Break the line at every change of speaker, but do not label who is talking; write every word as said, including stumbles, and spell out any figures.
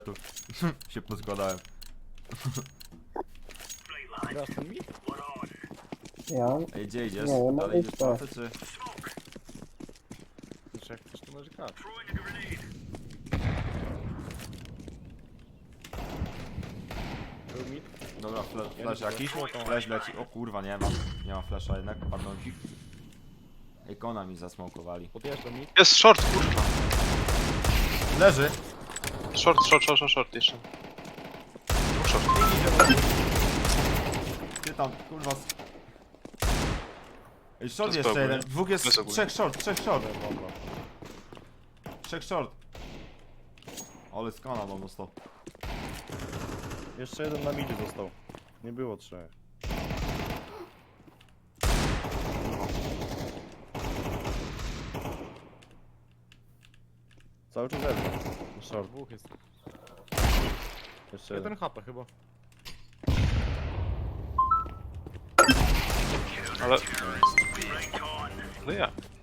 Tu się poskładałem.
Grasz ten mi?
Ja?
Ej, gdzie idziesz?
Nie, ja mam
Dalej idziesz
listę.
pracę, czy...
Znaczy jak chcesz to możesz grać. Był mi?
Dobra, fle
Ja
flash
nie
jakiś?
widzę.
Flash leci. O kurwa, nie mam. Nie mam flasha jednak, pardon. Ikona mi zasmokowali.
Podjeżdża mi.
Jest short, kurwa.
Leży!
Short, short, short, short, short jeszcze. Dwóch short.
Ty tam, kurwa... s- Ej, short
Bez
jeszcze
ogólnie.
jeden. Dwóch jest...
Bez ogólnie.
Trzech short, trzech short.
Dobra.
Trzech short. Ale skana mam dostał.
Jeszcze jeden na midzie został. Nie było trzech. Cały czas jeden. Short. Dwóch jest. Jeszcze jeden. H P chyba.
Ale... No ja.